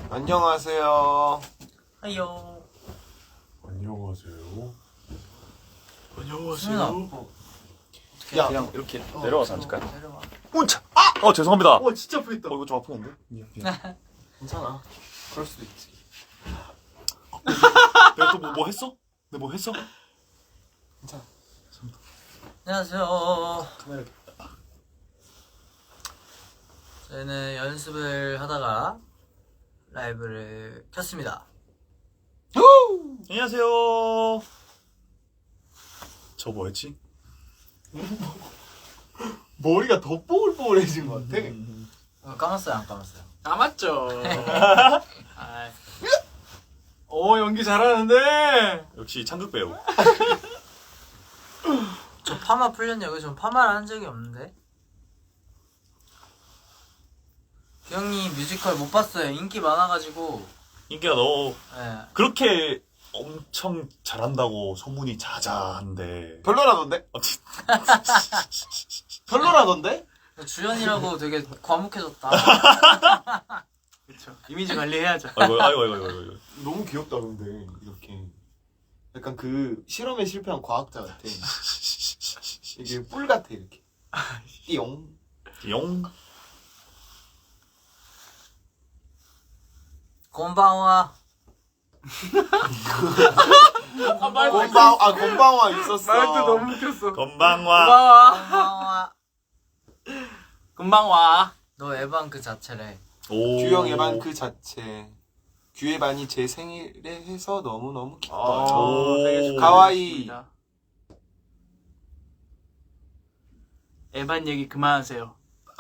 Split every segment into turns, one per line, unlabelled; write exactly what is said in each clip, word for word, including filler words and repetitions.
안녕하세요.
하요.
안녕하세요.
안녕하세요.
어.
야,
그냥 이렇게 내려와서 앉을까요?
내려와.
운차. 아! 어 죄송합니다.
어 진짜 아프겠다.
어 이거 좀 아프겠는데? 미안, 미안.
괜찮아. 그럴 수도 있지.
내가 또 뭐 뭐 했어? 내가 뭐 했어?
괜찮아.
안녕하세요.
카메라.
저희는 연습을 하다가 라이브를 켰습니다.
안녕하세요. 저 뭐 했지?
머리가 더 뽀글뽀글해진 것 같아.
어, 감았어요, 안 감았어요?
남았죠. 아, 오 연기 잘하는데.
역시 창극 배우.
저 파마 풀렸냐고요? 전 파마를 한 적이 없는데. 규형님 뮤지컬 못 봤어요. 인기 많아가지고.
인기가 너무
네.
그렇게 엄청 잘한다고 소문이 자자한데.
별로라던데?
어, 진-
별로라던데?
주연이라고 되게 과묵해졌다.
그렇죠. 이미지 관리해야죠.
아이고 아이고 아이고 아이고. 아이고.
너무 귀엽다 근데 이렇게. 약간 그 실험에 실패한 과학자 같아. 이게 뿔 같아 이렇게. 띠용.
용.
곤방와.
아, 말도
곤방 아 곤방화 있었어.
말도 너무 웃겼어.
건방와.
고마워.
곤방와.
금방 와.
너 에반 그 자체래.
오.
규영 예반 그 자체. 규예반이 제 생일에 해서 너무 너무 기뻐.
오.
오, 되게
가와이.
축하드립니다. 에반 얘기 그만하세요.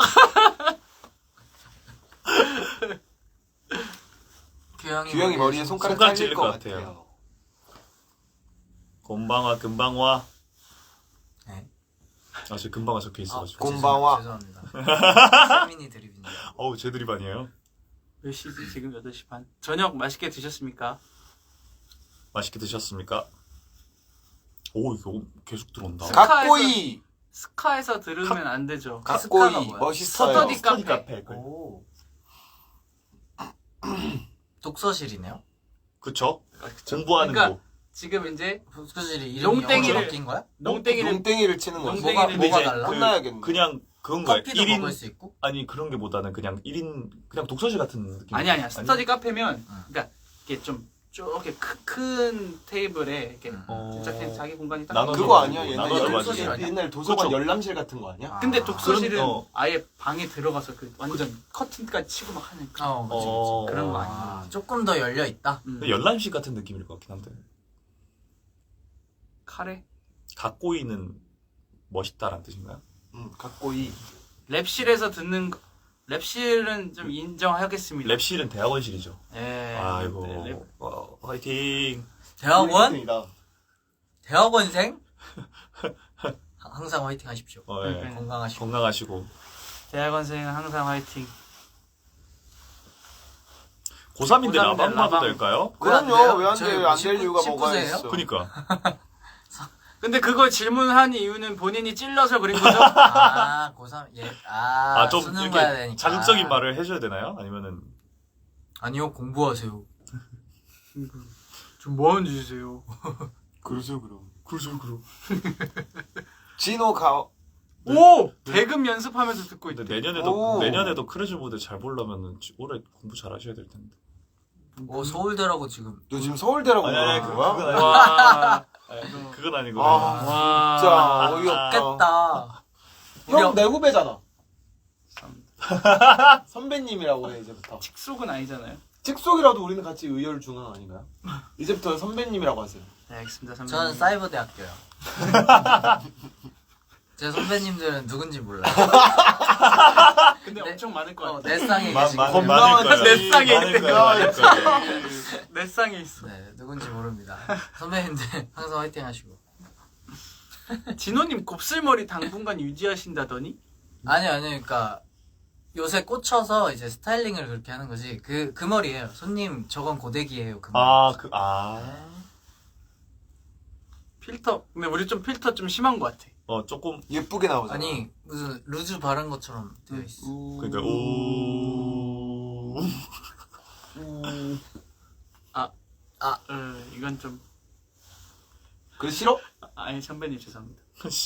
규형이,
규영이 머리에 손가락
손가락
잘릴
찔릴
것
것
같아요.
같아요. 건방와 금방와.
네.
아, 저 금방와 적혀 있어가지고.
곤- 곤방와.
죄송합니다. 세민이 드립인데.
어우, 제 드립 아니에요?
몇 시지? 지금 여덟 시 반. 저녁 맛있게 드셨습니까?
맛있게 드셨습니까? 오, 이거 계속 들어온다.
가-
각고이.
스카에서 들으면 안 되죠.
각고이
스카가 뭐야?
멋있어요.
스터디
스터디
카페.
카페.
오. 독서실이네요?
그쵸?
아, 그쵸.
공부하는
그러니까
곳.
지금 이제
독서실이 이름이
농땡이를-
영어로 바뀐 거야?
농땡이를
농땡이를 치는 거지.
농땡이를
뭐가,
근데
뭐가
이제
달라?
그-
혼나야겠네.
그냥 그건 거야.
커피도
일 인,
먹을 수 있고?
아니, 그런 게 보다는 그냥 일 인, 그냥 독서실 같은 느낌.
아니 아니야. 스터디 카페면
응.
그러니까 이게 좀 이렇게 큰, 큰 테이블에 이렇게
응.
어...
진짜 그냥 자기 공간이 딱
나눠서
그거
가지고,
아니야?
나눠서
옛날
독서실
가지고.
아니야?
옛날 도서관
그쵸.
열람실 같은 거 아니야?
아.
근데 독서실은
그런- 어.
아예 방에 들어가서 그 완전 커튼까지 치고 막 하는 그
어, 그치, 그치.
어...
그런 거
아,
아니야.
조금 더 열려 있다.
음.
열람실 같은 느낌일 것 같긴 한데.
카레
각고이는 멋있다라는 뜻인가요?
응, 각고이.
랩실에서 듣는 거- 랩실은 좀 인정하겠습니다.
랩실은 대학원실이죠.
예.
아이고.
네, 랩.
와, 화이팅.
대학원?
이다.
대학원생? 항상 화이팅 하십시오.
어, 예.
네.
건강하시고.
건강하시고.
대학원생은 항상 화이팅.
고삼인데
고삼인데
라방 봐도
라방.
될까요?
그럼요. 왜 안
저희
돼? 안 될
십구
이유가 뭐가
십구 세예요?
있어?
그니까.
근데 그걸 질문한 이유는 본인이 찔러서 그린 거죠?
아, 고삼, 예. 아,
아, 좀
수능 봐야
이렇게
되니까.
자극적인 말을 해줘야 되나요? 아니면은.
아니요, 공부하세요.
좀 뭐 하는 짓이세요?
그러죠, 그럼.
그러죠, 그럼.
진호 가.
오! 대금 연습하면서 듣고
근데
있대.
내년에도,
오.
내년에도 크루즈 모드 잘 보려면은 올해 공부 잘 하셔야 될 텐데.
오, 서울대라고 지금.
너 지금 서울대라고
아니, 아니,
그러는
그-
거야?
그건 아니-
와.
아니, 그건 아니고.
아,
와.
진짜 어이없다.
깼다.
형 내 후배잖아. 선배님이라고 해 이제부터.
칙속은 아니잖아요.
직속이라도 우리는 같이 의열 중앙 아닌가요? 이제부터 선배님이라고 하세요.
네, 알겠습니다. 선배님.
저는 사이버대학교요. 제 선배님들은 누군지 몰라요.
근데
네.
엄청 많을 것
어,
같아.
내 쌍에
마-
계시고.
마-
건강한
많을 거예요.
내 쌍에
많을
있는
거예요, 많을 거예요.
내 쌍에 있어.
네, 누군지 모릅니다. 선배님들 항상 화이팅 하시고.
진호님 곱슬머리 당분간 유지하신다더니?
아니요, 아니요, 그러니까 요새 꽂혀서 이제 스타일링을 그렇게 하는 거지. 그, 그 머리예요. 손님, 저건 고데기예요. 그 머리.
아, 그, 아.
필터. 근데 우리 좀 필터 좀 심한 것 같아.
어, 조금.
예쁘게 나오잖아.
아니, 무슨 루즈 바른 것처럼 되어 있어.
우...
그러니까, 오.
음,
어, 이건 좀
그래 싫어?
아니 선배님 죄송합니다.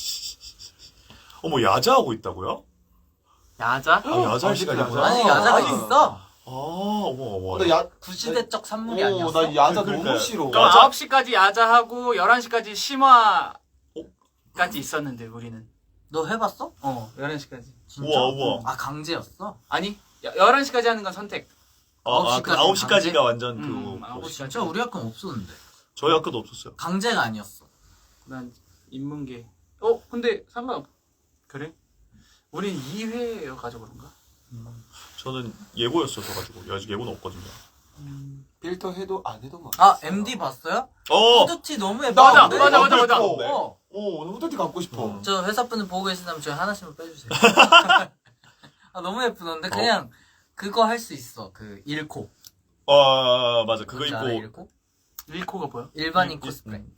어머 야자하고 있다고요?
야자?
아 야자할 시간이
야자.
뭐야?
아니 야자가
아,
있어.
아 어머 어머.
나 야,
구시대적 산물이
어,
아니었어.
나 야자
그러니까요.
너무 싫어.
그럼
야자?
아홉 시까지 야자하고 열한 시까지 심화까지
어?
있었는데 우리는.
너 해봤어?
어 열한 시까지.
진짜?
우와 우와.
아 강제였어?
아니 열한 시까지 하는 건 선택.
아, 아, 그 아홉 시까지가 완전
음,
그.
아홉
어,
시.
진짜 우리 학교는 없었는데.
저희 학교도 없었어요.
강제가 아니었어.
난 인문계. 어 근데 상관없. 그래? 우린 이 회여가지고 그런가?
저는 예고였어서 가지고 아직 예고는 없거든요.
필터 해도 안 해도 막.
아 엠디 봤어요?
어.
후드티 너무
맞아,
예쁜데?
맞아, 맞아, 맞아.
어.
오, 오늘 후드티 갖고 싶어.
음.
저 회사분들 보고 계신다면 저희 하나씩만 빼주세요. 아 너무 예쁘던데 그냥 그거 할 수 있어. 그 일코.
아 맞아 그거
뭔지 알아,
입고
일코?
일코가 뭐야?
일반인
일-
코스프레.
음.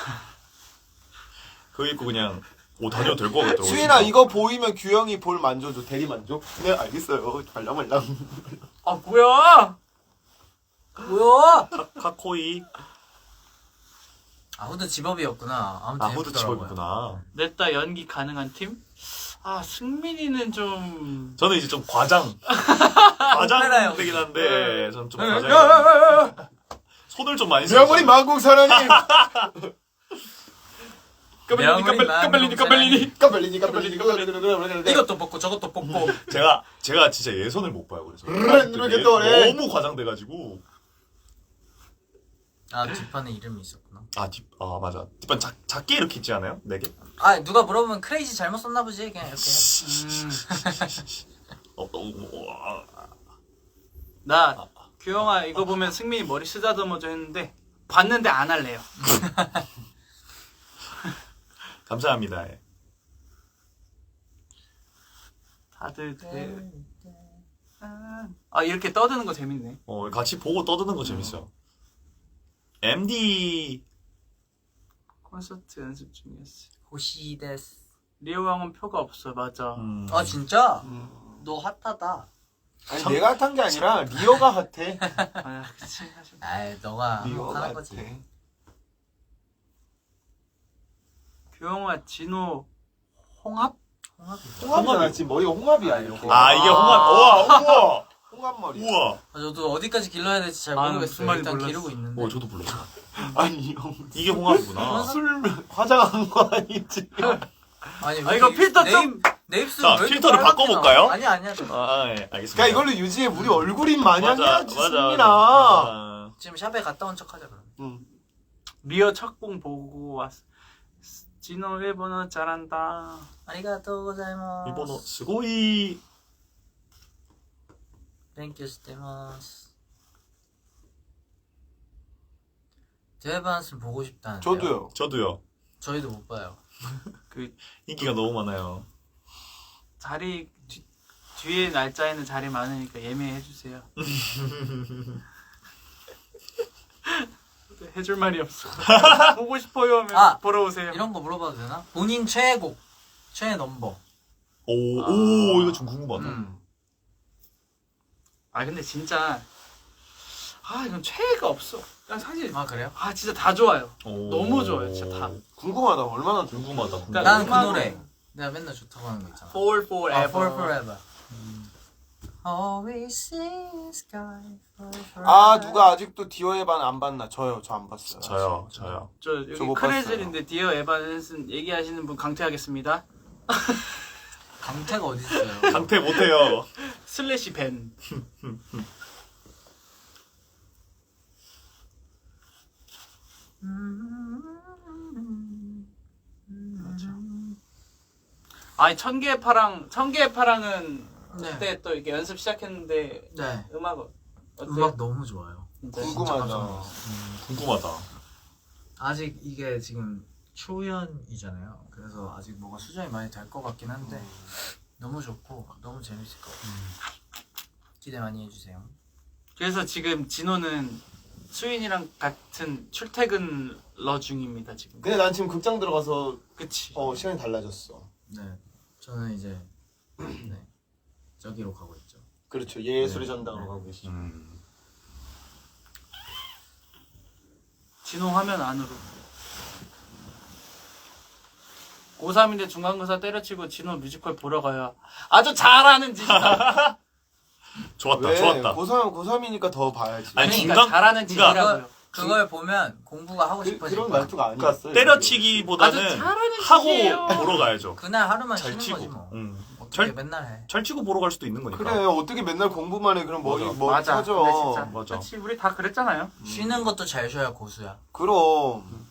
그거 입고 그냥 옷 다녀도 될 것 같더라고.
수인아 이거 보이면 규영이 볼 만져줘. 대리 만져? 네 알겠어요. 말랑말랑.
아 뭐야?
뭐야?
카코이.
아 후드 집업이었구나. 아무튼
아 후드
예쁘더라고요.
집어입구나.
냈다 연기 가능한 팀? 아 승민이는 좀
저는 이제 좀 과장.
오페라요.
과장 되긴 한데 저는 좀
네.
과장. 손을 좀 많이 써요.
명월이 만국사라니.
명월이
까벨리니 까벨리니
까벨리니 까벨리니 까벨리니.
이것도 뽑고 저것도 뽑고.
제가 제가 진짜 예선을 못 봐요. 그래서
이렇게 또래.
너무 과장돼가지고.
아 뒷판에 이름이 있었구나.
아, 뒷, 아 맞아. 뒷판 작, 작게 이렇게 있지 않아요? 네 개?
아 누가 물어보면 크레이지 잘못 썼나 보지 그냥 이렇게.
음,
어, 어, 어, 아,
나 규영아 이거 보면 승민이 머리 쓰다듬어져 했는데 봤는데 안 할래요.
감사합니다. 예.
다들 대... 아 이렇게 떠드는 거 재밌네.
어, 같이 보고 떠드는 거 재밌어요. 엠디
콘서트 연습 중이었어.
호시데스.
리오 형은 표가 없어. 맞아.
음,
아 진짜?
음.
너 핫하다.
아니 내가 핫한 게 아니라 리오가 핫해.
아 그치 사실.
아이 너가
리오가
하는 거지.
핫해.
규영아 진호 홍합?
홍합이.
홍합이야. 지금 머리가 홍합이야 이렇게.
아 이게
아.
홍합. 우와 우와
홍합 머리.
우와.
아, 저도 어디까지 길러야 될지 잘
아,
모르겠어요.
무슨 말인지
일단
몰랐어.
기르고 있는데.
어 저도 몰랐어.
아니 형.
이게 홍합이구나.
술 화장한 거 아니지?
아니
아, 이거
이-
필터
내
좀-
입- 내 입술
자,
왜 이렇게
필터를
빨갛게
바꿔볼까요?
나와? 아니 아니야. 저
아 예, 알겠습니다.
그러니까 이걸로 유지해. 우리 얼굴인 마냥
맞아,
해야지
맞아,
승민아.
맞아.
지금 샵에 갔다 온 척하자 그럼.
응.
리오 첫공 보고 왔어. 진호 일본어 잘한다.
아리가또 고자이마스.
일본어 스고이.
땡큐 스테마스. 제반스를 보고 싶다는데.
저도요.
저도요.
저희도 못 봐요.
그
인기가 너무 많아요.
자리 뒤, 뒤에 날짜에는 자리 많으니까 예매해 주세요. 해줄 말이 없어. 보고 싶어요 하면
아,
보러 오세요.
이런 거 물어봐도 되나? 본인 최애곡, 최애 넘버.
오,
아.
오 이거 좀 궁금하다.
음.
아 근데 진짜 아 이건 최애가 없어. 난 사실
아 그래요?
아 진짜 다 좋아요.
오.
너무 좋아요, 진짜 다.
궁금하다. 얼마나 좋
궁금하다. 궁금하다.
그러니까
난 그
음악은-
노래. 내가 맨날 좋다고 하는 거 있잖아.
Fall Forever.
아, For Forever. Always see sky for forever.
아 누가 아직도 디오의 반 안 봤나? 저요. 저 안 봤어요.
저요, 저요.
저 여기
저거
크레즐인데 디어 에반슨 얘기하시는 분 강퇴하겠습니다.
강태가 어디 있어요?
강퇴 못해요.
슬래시 벤. 아니 천개의 파랑 천개의 파랑은
네.
그때 또 이렇게 연습 시작했는데
네.
음악 어때요?
음악 너무 좋아요.
진짜?
궁금하다.
궁금하다.
아직 이게 지금 초연이잖아요. 그래서 아직 뭐가 수정이 많이 될 것 같긴 한데 너무 좋고 너무 재밌을 것 같아요. 기대 많이 해주세요.
그래서 지금 진호는 수인이랑 같은 출퇴근러 중입니다 지금.
근데 난 지금 극장 들어가서
그치.
어 시간이 달라졌어.
네, 저는 이제 네 저기로 가고 있죠.
그렇죠. 예술의 전당으로
네.
가고 계시죠.
음.
진호 화면 안으로. 고삼인데 중간고사 때려치고 진호 뮤지컬 보러 가요. 아주 잘하는 짓이다.
좋았다,
왜?
좋았다.
고삼 고삼이니까 더 봐야지.
아니,
그러니까
중간-
잘하는
그러니까
짓이라고요.
그걸 보면 공부가 하고
그,
싶어질
그런
거야.
말투가
그러니까
아니었어요.
때려치기보다는
아주 잘하는
하고
짓이에요.
보러 가야죠.
그날 하루만
잘
쉬는
치고.
거지 뭐.
응.
어떻게
잘,
맨날 해.
잘 치고 보러 갈 수도 있는 거니까.
그래 어떻게 맨날 공부만 해 그럼 머리
맞아.
머리
맞아.
터져.
근데 진짜.
맞아.
그렇지. 우리 다 그랬잖아요.
쉬는 것도 잘 쉬어야 고수야.
그럼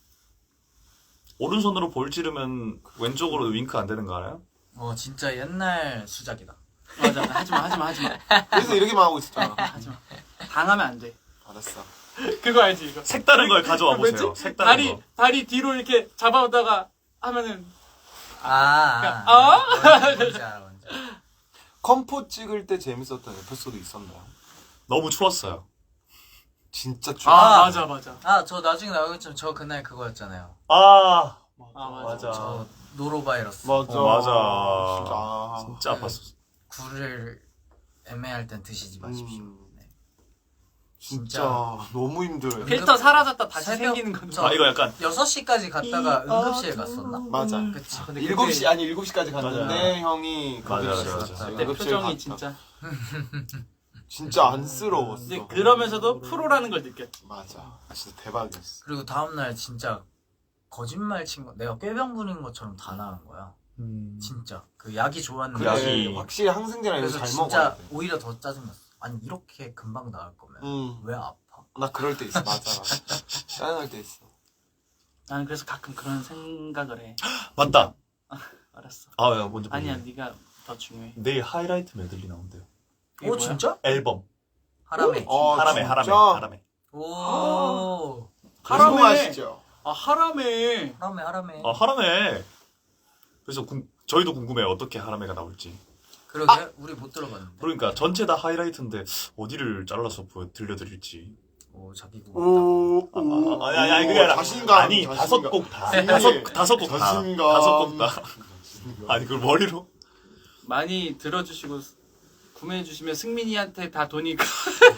오른손으로 볼 찌르면 왼쪽으로 윙크 안 되는 거 알아요?
어 진짜 옛날 수작이다.
맞아. 하지마, 하지마, 하지마.
그래서 이렇게만 하고 있었잖아.
하지마. 당하면 안 돼.
알았어.
그거 알지 이거.
색다른 걸 가져와 보세요.
뭐지?
색다른
다리
거.
다리 뒤로 이렇게 잡아오다가 하면은
아.
아. 어?
뭔지 알아 뭔지. 알아.
컴포 찍을 때 재밌었던 에피소드 있었나요?
너무 추웠어요.
진짜
아,
좀.
아.
맞아 맞아.
아 저 나중에 나오겠지만 저 그날 그거였잖아요.
아,
아 맞아.
맞아.
저 노로바이러스.
맞아.
어, 맞아.
아.
진짜 아팠어.
굴을 애매할 땐 드시지 마십시오.
음.
네.
진짜 너무 힘들어요.
필터 사라졌다 다시
새벽-
생기는 건데.
저-
아, 이거 약간
여섯 시까지 갔다가 응급실 갔었나?
맞아.
그치.
근데
일곱 시 아니 일곱 시까지 갔는데
맞아.
형이
맞아,
응급실
맞아,
갔다.
맞아.
내
응급실
표정이
갔다.
진짜.
진짜 안쓰러웠어.
근데 그러면서도 프로라는 걸 느꼈지.
맞아. 진짜 대박이었어.
그리고 다음날 진짜 거짓말 친 거, 내가 꾀병 부린 것처럼 다 나은 거야.
음...
진짜. 그 약이 좋았는데.
그래
약이-
확실히 항생제랑 이거
그래서
잘
진짜
먹어야 돼.
오히려 더 짜증났어. 아니, 이렇게 금방 나을 거면
응.
왜 아파?
나 그럴 때 있어. 맞아. 맞아. 짜증날 때 있어.
나는 그래서 가끔 그런 생각을 해.
맞다.
알았어.
아, 야, 먼저.
아니야,
보세요.
네가 더 중요해.
내일 하이라이트 메들리 나온대요.
이게
오,
뭐야?
진짜?
앨범.
하라메.
어,
하라메,
진짜?
하라메, 하라메.
오.
하라메.
궁금하시죠?
아 하라메.
하라메, 하라메.
아, 하라메. 그래서 궁, 저희도 궁금해요. 어떻게 하라메가 나올지.
그러게, 우리 못 들어봤는데.
그러니까 전체 다 하이라이트인데 어디를 잘라서 보여 들려드릴지.
오, 자기 곡.
오,
아,
오,
아, 아니, 아니, 아니, 그게 아니라.
자신감.
아니,
자신감.
다섯 곡 다.
아니,
다섯, 다섯 곡 다.
자신감.
다섯 곡 다.
자신감.
아니, 그걸 머리로?
많이 들어주시고 구매해 주시면 승민이한테 다 돈이 가.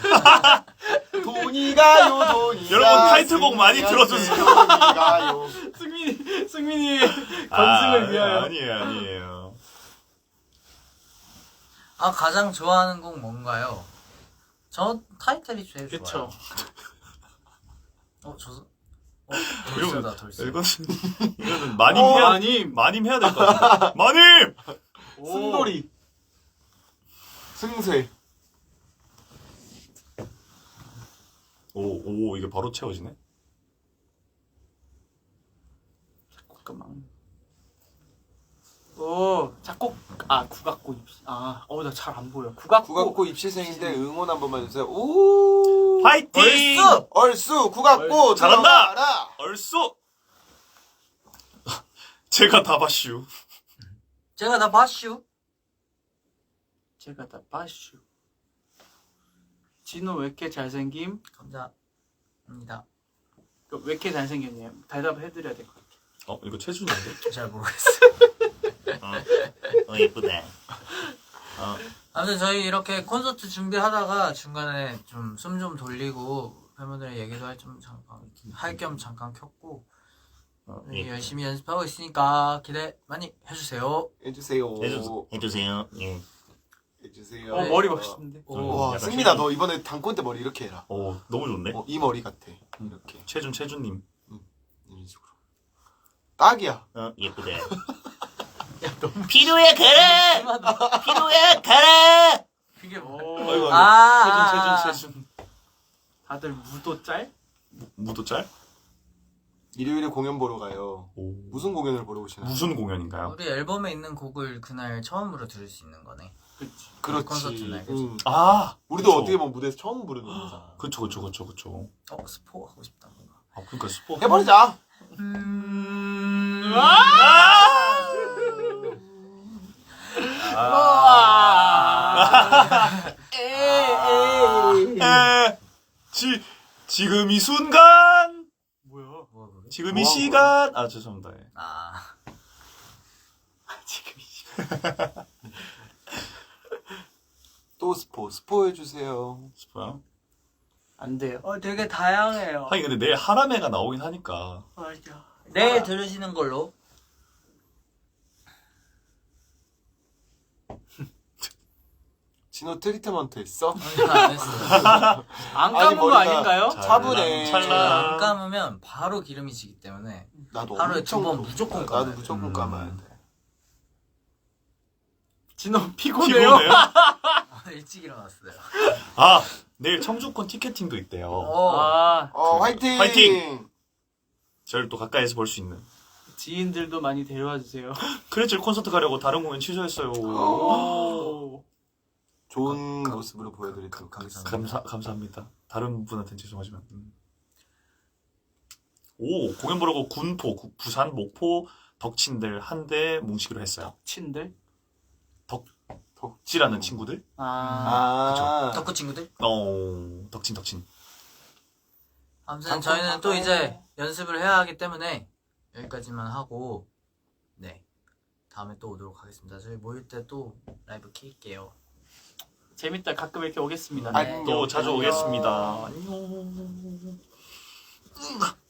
돈이 가요, 돈이
여러분,
가,
타이틀곡 많이
승리한테
들어주세요.
돈이 가요.
승민이 승민이의 건승을 위하여.
아, 아니에요, 아니에요.
아, 가장 좋아하는 곡 뭔가요? 저 타이틀이 제일
그쵸.
좋아요. 어, 저, 어, 돌쇠다, 돌쇠.
이거는, 이거는 마님
어,
해야,
마님.
마님 해야 될 것 같아. 마님!
오.
승돌이. 승쇠.
오, 오, 이게 바로 채워지네?
잠깐만. 오 작곡 아 국악고 입시 아어 나 잘 안 보여 국악고
국악고 입시생인데 응원 한 번만 해주세요. 오.
파이팅!
얼쑤!
얼쑤 국악고
잘한다!
들어가라.
얼쑤! 제가 다 봤슈.
제가 다 봤슈.
제가 다 빠슈 진호 왜 이렇게 잘생김
감사합니다.
그 왜 이렇게 잘생겼냐 대답을 해드려야 될 것 같아
어, 이거 최준인데?
잘 모르겠어.
어, 어, 예쁘네. 어,
아무튼 저희 이렇게 콘서트 준비하다가 중간에 좀 숨 좀 돌리고 팬분들의 얘기도 할 좀 잠깐 할 겸 잠깐 켰고
어,
저희 열심히 연습하고 있으니까 기대 많이 해주세요.
해주세요.
해주, 해주세요. 예.
해주세요.
어 머리 멋있는데
오,
와
약간
승민아
최준.
너 이번에 단콘 때 머리 이렇게 해라.
오, 너무 좋네.
어, 이 머리 같아. 이렇게
최준, 최준님.
이런 식으로. 딱이야.
어, 예쁘네. 필요해, 가라! 필요해, 가라!
그게
오
아이고, 아이고.
아,
최준 최준 최준 다들 무도 짤?
무도짤?
일요일에 공연 보러 가요.
오.
무슨 공연을 보러 오시나요?
무슨 공연인가요?
우리 앨범에 있는 곡을 그날 처음으로 들을 수 있는 거네.
그치
그렇지.
콘서트 날, 그치?
응.
아!
우리도
그쵸.
어떻게 보면 무대에서 처음 부르는 거잖아.
그쵸, 그쵸, 그쵸, 그쵸.
어, 스포 하고 싶다 뭔가.
아, 그니까 스포.
해버리자.
음...
에, 지, 지금 이 순간!
뭐야
뭐야 그게?
지금 이
뭐
시간! 아, 죄송합니다. 예.
아,
지금 이 시간
또 스포. 스포 해주세요.
스포요?
안 돼요.
어 되게 다양해요.
하긴 근데 내일 하람회가 나오긴 하니까.
맞아. 내일 들으시는 걸로.
진호 트리트먼트 했어?
아니, 안 했어요.
안
아니,
감은 거
머리가
아닌가요?
잘
차분해.
찰나.
안 감으면 바로 기름이 지기 때문에
나도
하루에
엄청
두 번 무조건
나도
감아야 돼.
무조건
음.
감아야 돼.
진호 피곤해요?
피곤해요?
일찍 일어났어요.
아 내일 청주권 티켓팅도 있대요.
어.
아,
어
그-
화이팅!
화이팅! 저를 또 가까이서 볼 수 있는.
지인들도 많이 데려와 주세요.
크레첼 콘서트 가려고 다른 공연 취소했어요.
오.
좋은
가-
모습으로 보여드리도록
가-
하겠습니다.
감사 감사합니다. 다른 분한테는 죄송하지만. 음. 오 공연 보려고 군포, 구- 부산, 목포, 덕친들 한대 뭉치기로 했어요.
친들?
덕지라는 친구들?
아.
아,
덕후 친구들.
어 덕친 덕친.
아무튼 저희는 또 이제 연습을 해야 하기 때문에 여기까지만 하고 네 다음에 또 오도록 하겠습니다. 저희 모일 때 또 라이브 킬게요.
재밌다. 가끔 이렇게 오겠습니다.
네.
또 자주
안녕.
오겠습니다. 안녕.